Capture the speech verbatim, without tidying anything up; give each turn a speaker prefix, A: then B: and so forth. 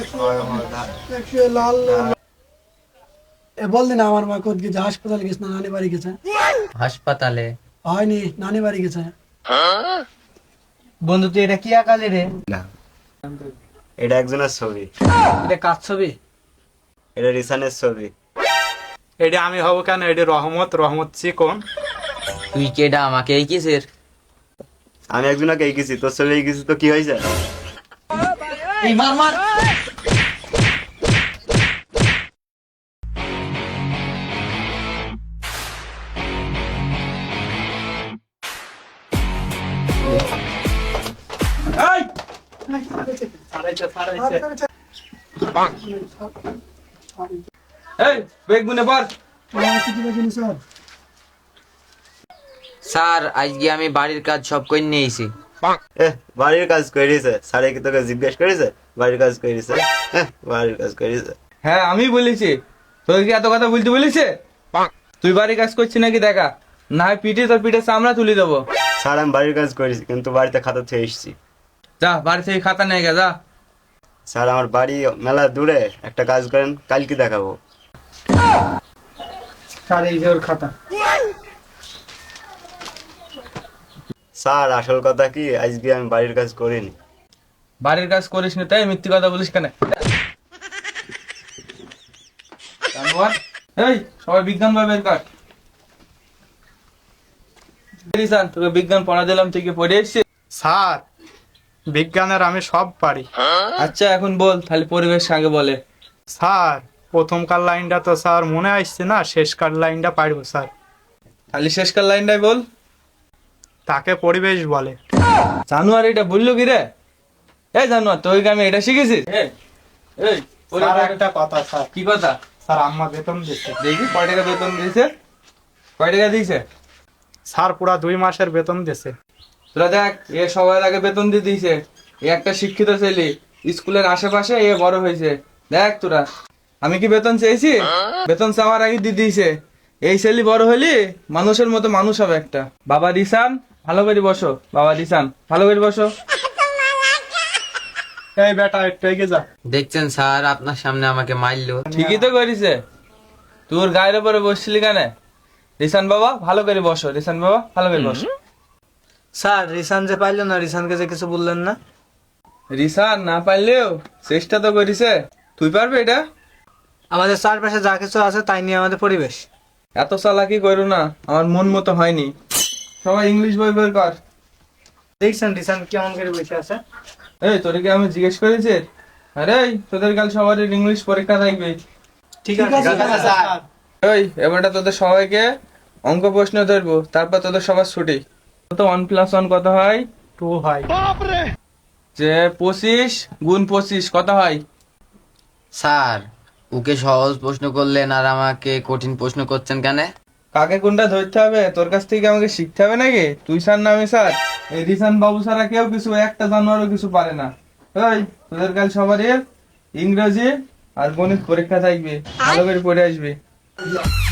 A: লাল এ বল দিন আমার মা কোথায় গেছে? হাসপাতালে গেছে না নানি বাড়ি গেছে?
B: হাসপাতালে
A: হয়নি, নানি বাড়ি গেছে।
B: বন্ধু তুই এটা কি আঁকালি রে?
C: না, এটা একজনের ছবি।
A: এটা কার ছবি?
C: এটা রিসানের ছবি।
D: এটা আমি হব কেন? এটা রহমত, রহমত চিকন।
B: তুই কেডা আমাকে এই কিসের?
C: আমি একজনকে এঁকেছি, তোর ছবি এঁকেছি তো কি হয়েছে?
B: এই মার মার।
D: এই বেগুনে পর।
B: স্যার আজকে আমি বাড়ির কাজ সব করে নিয়েছি।
C: এ বাড়ির কাজ করেছে স্যার? কি তোকে জিজ্ঞেস করেছে বাড়ির কাজ করেছে? বাড়ির কাজ করেছে?
D: হ্যাঁ আমি বলেছি, তোকে কি এত কথা বলতে বলেছে? তুই বাড়ি কাজ করছিস নাকি দেখা, না হয় পিঠে তোর পিঠে চামড়া তুলে দেবো।
C: স্যার আমি বাড়ির কাজ করেছি, কিন্তু বাড়িতে খাতা থেকে এসেছি।
D: যা বাড়ি থেকে খাতা নিয়ে গে যা।
C: স্যার আমার বাড়ি মেলা দূরে, একটা কাজ করেন, কালকে দেখাবো।
A: স্যার এই যে ওর খাতা।
C: স্যার আসল কথা কি, আজকে আমি বাড়ির কাজ করিনি।
D: বাড়ির কাজ করিস না তাই মিথ্যে কথা বলিস কেন? জানোয়ার। এই সবাই বিজ্ঞান বই বের কর। রিসান, তোকে বিজ্ঞান পড়া দিলাম, তুই কি পড়ে এসছিস?
E: স্যার বিজ্ঞানের আমি সব পারি।
D: আচ্ছা এখন বল, তাহলে পরিবেশ আগে বলে।
E: স্যার প্রথমকার লাইনটা তো স্যার মনে আসছে না, শেষকার লাইনটা পারবো স্যার।
D: তাহলে শেষকার লাইনটাই বল।
E: তাকে পরিবেশ বলে।
D: জানোয়ার এটা বললো কি রে? এই জানোয়ার, তোকে কি আমি এটা শিখেছি? এই এই
E: স্যার একটা কথা স্যার।
D: কি কথা?
E: স্যার আম্মা বেতন দিচ্ছে।
D: দেখি কয় টাকা বেতন দিয়েছে? কয় টাকা দিয়েছে?
E: স্যার পুরা দুই মাসের বেতন দিছে।
D: তোরা দেখ, এ সবার আগে বেতন দিয়ে দিয়েছে। এ একটা শিক্ষিত ছেলে, স্কুলের আশেপাশে এ বড় হয়েছে। দেখ তোরা, আমি কি বেতন চেয়েছি? বেতন চাওয়ার আগে দিয়ে দিয়েছে। এই ছেলে বড় হলি মানুষের মতো মানুষ হবে একটা। বাবা রিসান ভালো করে বসো, বাবা রিসান ভালো করে বসো।
E: এই বেটা একটু এগিয়ে যা।
B: দেখছেন স্যার আপনার সামনে আমাকে মারলো।
D: ঠিকই তো করিছে। তোর গায়ের উপরে বসছিলি কেন? রিসান বাবা ভালো করে বসো, রিসান বাবা ভালো করে বসো।
F: স্যার রিসান যে পাইলো না, রিসানকে যে কিছু বললেন না?
D: রিসান না পারলেও চেষ্টা তো করিছে। তুই পারবে এটা?
F: আমাদের চারপাশে যা কিছু আছে তাই নিয়ে আমাদের পরিবেশ।
D: এত চালাকি করো না, আমার মন মতো হয়নি। সবাই ইংলিশ বই বের কর।
F: দেখছেন রিসান কেমন করে বসে আছে?
D: এই তোরকে আমি জিজ্ঞেস করেছি? আরে এই, তোদের কাল সবার ইংলিশ পরীক্ষা থাকবে।
F: ঠিক আছে স্যার।
D: ওই এবারটা তোদের সবাইকে অঙ্ক প্রশ্ন ধরবো, তারপর তোদের সবার ছুটি। তো ওয়ান প্লাস ওয়ান কত হয়?
E: টু হয়।
D: যে পঁচিশ গুণ পঁচিশ কত হয়?
B: স্যার ওকে সহজ প্রশ্ন করলেন আর আমাকে কঠিন প্রশ্ন করছেন কেন?
D: কাকে কোনটা ধরতে হবে তোর কাছ থেকে আমাকে শিখতে হবে নাকি? তুই স্যার না আমি স্যার? এই রিসান বাবু ছাড়া কেউ কিছু একটা জানোয়ারও কিছু পারে না। ওই তোদের কাল সবারই ইংরেজি আর গণিত পরীক্ষা থাকবে, ভালো করে পড়ে আসবে।